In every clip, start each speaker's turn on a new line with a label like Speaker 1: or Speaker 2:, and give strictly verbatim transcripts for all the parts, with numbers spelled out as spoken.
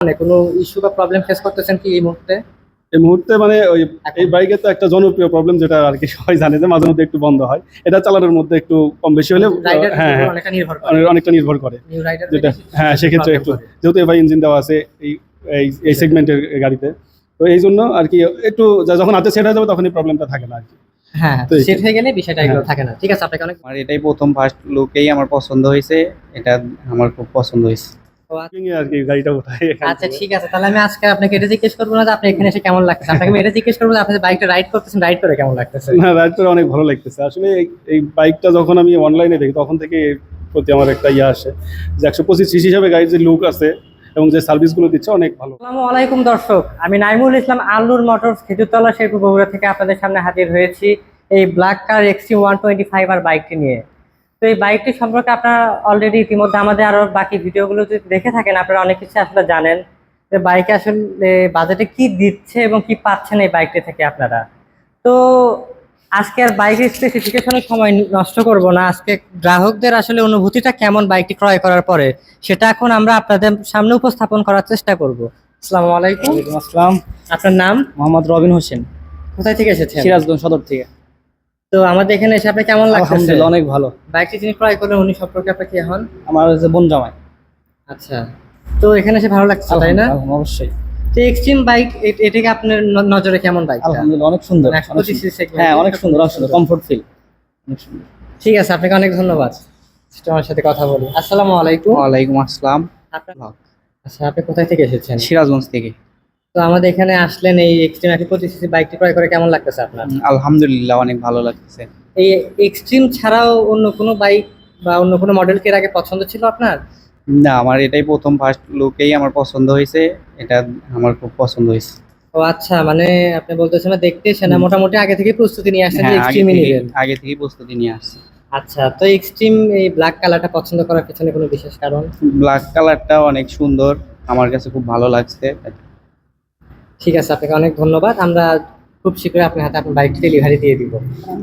Speaker 1: মানে কোনো ইস্যু বা প্রবলেম ফেস করতেছেন কি এই মুহূর্তে?
Speaker 2: এই মুহূর্তে মানে ওই এই বাইকের তো একটা জনপ্রিয় প্রবলেম, যেটা আর কি সবাই জানে যে মাঝে মধ্যে একটু বন্ধ হয়। এটা চালানোর মধ্যে একটু কম বেশি হলে
Speaker 1: রাইডার
Speaker 2: হ্যাঁ হ্যাঁ
Speaker 1: অনেকটা নির্ভর করে।
Speaker 2: অনেক- অনেকটা নির্ভর করে
Speaker 1: নিউ রাইডার
Speaker 2: যেটা হ্যাঁ সেক্ষেত্রে একটু, যেহেতু এবার ইঞ্জিন দেওয়া আছে এই এই এই সেগমেন্টের গাড়িতে, তো এই জন্য আর কি একটু যা- যখন হাতে সেট হয়ে যাবে তখন এই প্রবলেমটা থাকে না আর কি।
Speaker 1: হ্যাঁ
Speaker 2: তো এই-
Speaker 1: সেট হয়ে গেলে বিষয়টা এগুলো
Speaker 2: হ্যাঁ।
Speaker 1: থাকে না। ঠিক আছে, আপনাকে অনেক
Speaker 3: আমার এটাই প্রথম ফার্স্ট লুকেই আমার পছন্দ হয়েছে। এটা আমার খুব পছন্দ হয়েছে।
Speaker 2: আর কি গাড়িটা উঠাই এখান
Speaker 1: আচ্ছা
Speaker 2: থেকে।
Speaker 1: ঠিক আছে, তাহলে আমি আজকে আপনাকে এটা জিজ্ঞেস করবো না যে আপনি এখানে এসে কেমন লাগতেছে, আপনাকে আমি এটা জিজ্ঞেস করবো যে আপনি যে বাইকটা রাইড করতেছেন রাইড করে কেমন লাগতেছে।
Speaker 2: না, রাইড করে অনেক ভালো লাগতেছে আসলে। এই- এই বাইকটা যখন আমি অনলাইনে দেখি তখন থেকে এর প্রতি আমার একটা ইয়ে আসে যে একশো পঁচিশ সিসি হিসাবে গাড়ির যে লুক আছে এবং যে সার্ভিসগুলো দিচ্ছে অনেক ভালো।
Speaker 1: আসসালামু আলাইকুম দর্শক, আমি নাইমুল ইসলাম আল্লুর মোটরস খেজুরতলা শেরপুর বগুড়া থেকে আপনাদের সামনে হাজির হয়েছি এই black car Xtreme one twenty five R বাইকটি নিয়ে। তো এই বাইকটি সম্পর্কে আপনারা অলরেডি ইতিমধ্যে আমাদের আরো বাকি ভিডিওগুলো যদি দেখে থাকেন আপনারা অনেক কিছু আসলে জানেন যে বাইকে আসলে বাজেটে কি দিচ্ছে এবং কি পাচ্ছেন এই বাইকটি থেকে আপনারা। তো আজকে আর বাইকের স্পেসিফিকেশনের সময় নষ্ট করব না, আজকে গ্রাহকদের আসলে অনুভূতিটা কেমন বাইকটি ক্রয় করার পরে সেটা এখন আমরা আপনাদের সামনে উপস্থাপন করার চেষ্টা করব। আসসালামু আলাইকুম।
Speaker 4: ওয়ালাইকুম আসসালাম।
Speaker 1: আপনার নাম?
Speaker 4: মোহাম্মদ রবিন হোসেন,
Speaker 1: কোথায় থেকে এসেছেন?
Speaker 4: সিরাজগঞ্জ সদর থেকে।
Speaker 1: তো আমাদের এখানে এসে আপনি কেমন লাগছে?
Speaker 4: আলহামদুলিল্লাহ অনেক ভালো।
Speaker 1: বাইকটি যিনি ক্রয় করলেন উনি সম্পর্কে আপনি কি হন?
Speaker 4: আমার হচ্ছে বোন জামাই।
Speaker 1: আচ্ছা, তো এখানে এসে ভালো লাগছে তাই না?
Speaker 4: আলহামদুলিল্লাহ, অবশ্যই।
Speaker 1: তো এক্সট্রিম বাইক এটাকে আপনার ন- নজরে কেমন বাইক?
Speaker 4: আলহামদুলিল্লাহ অনেক সুন্দর,
Speaker 1: মানে
Speaker 4: অনেক
Speaker 1: একশো পঁচিশ
Speaker 4: সুন্দর।
Speaker 1: segment,
Speaker 4: হ্যাঁ অনেক সুন্দর, অনেক
Speaker 1: একশো
Speaker 4: সুন্দর,
Speaker 1: পঁচিশ
Speaker 4: কমফোর্ট ফিল অনেক সুন্দর।
Speaker 1: ঠিক আছে, আপনাকে অনেক ধন্যবাদ আমার সাথে কথা বলি। আসসালামু আলাইকুম।
Speaker 3: ওয়ালাইকুম আসসালাম।
Speaker 1: আপনার আচ্ছা, আপনি কোথায় থেকে এসেছেন?
Speaker 3: সিরাজগঞ্জ থেকে।
Speaker 1: তো আমাদের এখানে আসলেন এই এক্সট্রিম একশো পঁচিশ সিসি বাইকটি ক্রয় করে কেমন লাগতেছে আপনার?
Speaker 3: উম, আলহামদুলিল্লাহ অনেক ভালো লাগতেছে।
Speaker 1: এই এক্সট্রিম ছাড়াও অন্য কোনো বাইক বা অন্য কোনো মডেল কি এর আগে পছন্দ ছিল আপনার?
Speaker 3: না, আমার এটাই প্রথম ফার্স্ট লুকেই আমার পছন্দ হয়েছে। এটা আমার খুব পছন্দ হয়েছে।
Speaker 1: ও আচ্ছা, মানে আপনি বলতেছেন না দেখতে এসে না মোটামুটি আগে থেকে প্রস্তুতি নিয়ে আসছেন যে
Speaker 3: হ্যাঁ, আগে
Speaker 1: এক্সট্রিমই
Speaker 3: থেকে
Speaker 1: নেবেন।
Speaker 3: আগে থেকেই প্রস্তুতি নিয়ে আসছি।
Speaker 1: আচ্ছা, তো এক্সট্রিম এই ব্ল্যাক কালারটা পছন্দ করার পেছনে কোনো বিশেষ কারণ?
Speaker 3: ব্ল্যাক কালারটা অনেক সুন্দর, আমার কাছে খুব ভালো লাগছে।
Speaker 1: ঠিক আছে, আপনাকে অনেক ধন্যবাদ। আমরা খুব শীঘ্রই আপনার হাতে আপনার বাইকটি ডেলিভারি দিয়ে দিব।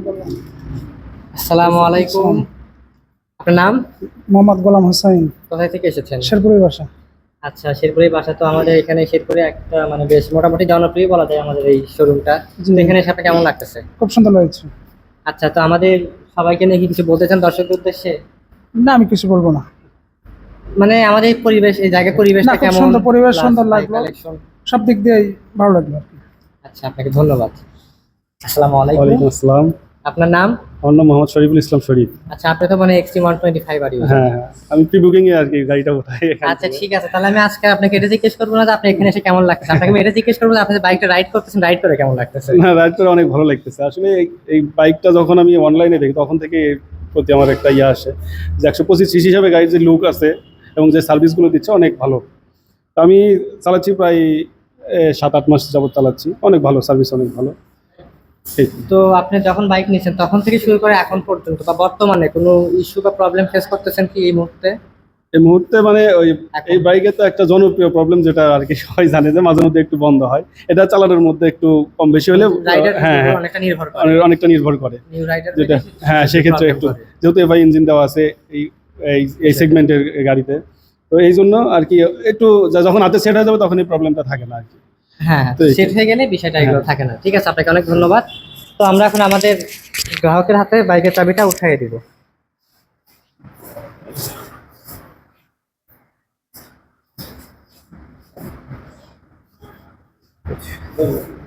Speaker 1: আসসালামু আলাইকুম। আপনার নাম?
Speaker 5: মোহাম্মদ গোলাম হোসাইন,
Speaker 1: কোথায় থেকে এসেছেন?
Speaker 5: শেরপুরের বাসা।
Speaker 1: আচ্ছা, শেরপুরের বাসা। তো আমাদের এখানে শেরপুরে একটা মানে বেশ মোটামুটি জনপ্রিয় বলা যায় আমাদের এই শোরুমটা।
Speaker 5: জি।
Speaker 1: তো এখানে এসে আপনার কেমন লাগতেছে?
Speaker 5: খুব সুন্দর লাগছে।
Speaker 1: আচ্ছা, তো আমাদের সবাইকে নিয়ে কি কিছু বলতে চান দর্শকদের উদ্দেশ্যে?
Speaker 5: না, আমি কিছু বলবো না।
Speaker 1: মানে আমাদের এই পরিবেশ, এই জায়গার পরিবেশটা
Speaker 5: না, খুব
Speaker 1: কেমন?
Speaker 5: সুন্দর পরিবেশ,
Speaker 1: Plus
Speaker 5: সুন্দর
Speaker 1: bike
Speaker 5: লাগলো।
Speaker 1: collection।
Speaker 5: সব দিক দিয়ে ভালো লাগলো আর কি।
Speaker 1: আচ্ছা, আপনাকে ধন্যবাদ। আসসালামু আলাইকুম।
Speaker 2: ওয়ালাইকুম আসসালাম।
Speaker 1: আপনার নাম?
Speaker 2: আমার নাম মোহাম্মদ শরীফুল ইসলাম শরীফ।
Speaker 1: আচ্ছা, আপনি তো মানে Xtreme one twenty five R user.
Speaker 2: হ্যাঁ হ্যাঁ, আমি প্রি বুকিং এ আর কি গাড়িটা উঠাই এখান
Speaker 1: আচ্ছা
Speaker 2: থেকে।
Speaker 1: ঠিক আছে, তাহলে আমি আজকে আপনাকে এটা জিজ্ঞেস করবো না যে আপনি এখানে এসে কেমন লাগতেছে, আপনাকে আমি এটা জিজ্ঞেস করবো যে আপনি যে বাইকটা রাইড করতেছেন রাইড করে কেমন লাগতেছে।
Speaker 2: না, রাইড করে অনেক ভালো লাগতেছে আসলে। এই- এই বাইকটা যখন আমি অনলাইনে দেখি তখন থেকে এর প্রতি আমার একটা ইয়ে আসে যে একশো পঁচিশ সিসি হিসাবে গাড়ির যে লুক আছে এবং যে সার্ভিসগুলো দিচ্ছে অনেক ভালো। তো আমি চালাচ্ছি প্রায় এ, সাত আট মাস যাবত চালাচ্ছি, অনেক ভালো সার্ভিস, অনেক ভালো। এই তো।
Speaker 1: তো আপনি যখন বাইক নিয়েছেন তখন থেকে শুরু করে এখন পর্যন্ত বা বর্তমানে কোনো ইস্যু বা প্রবলেম ফেস করতেছেন কি এই মুহূর্তে?
Speaker 2: এই মুহূর্তে মানে ওই
Speaker 1: এখন?
Speaker 2: এই বাইকে তো একটা জনপ্রিয় প্রবলেম, যেটা আর কি সবাই জানে যে মাঝে মধ্যে একটু বন্ধ হয়। এটা চালানোর মধ্যে একটু কম বেশি হলে
Speaker 1: রাইডার
Speaker 2: হ্যাঁ হ্যাঁ
Speaker 1: অনেকটা নির্ভর করে।
Speaker 2: অনেক- অনেকটা নির্ভর করে
Speaker 1: নিউ রাইডার
Speaker 2: যেটা হ্যাঁ সেক্ষেত্রে একটু, যেহেতু এবার ইঞ্জিন দেওয়া আছে এই এই এই সেগমেন্টের গাড়িতে, তো এই জন্য আর কি একটু যা- যখন হাতে সেট হয়ে যাবে তখন এই প্রবলেমটা থাকে না আর কি।
Speaker 1: হ্যাঁ
Speaker 2: তো এই-
Speaker 1: সেট হয়ে গেলে বিষয়টা এগুলো
Speaker 2: হ্যাঁ।
Speaker 1: থাকে না। ঠিক আছে, আপনাকে অনেক ধন্যবাদ। তো আমরা এখন আমাদের গ্রাহকের হাতে বাইকের চাবিটা উঠিয়ে দিব।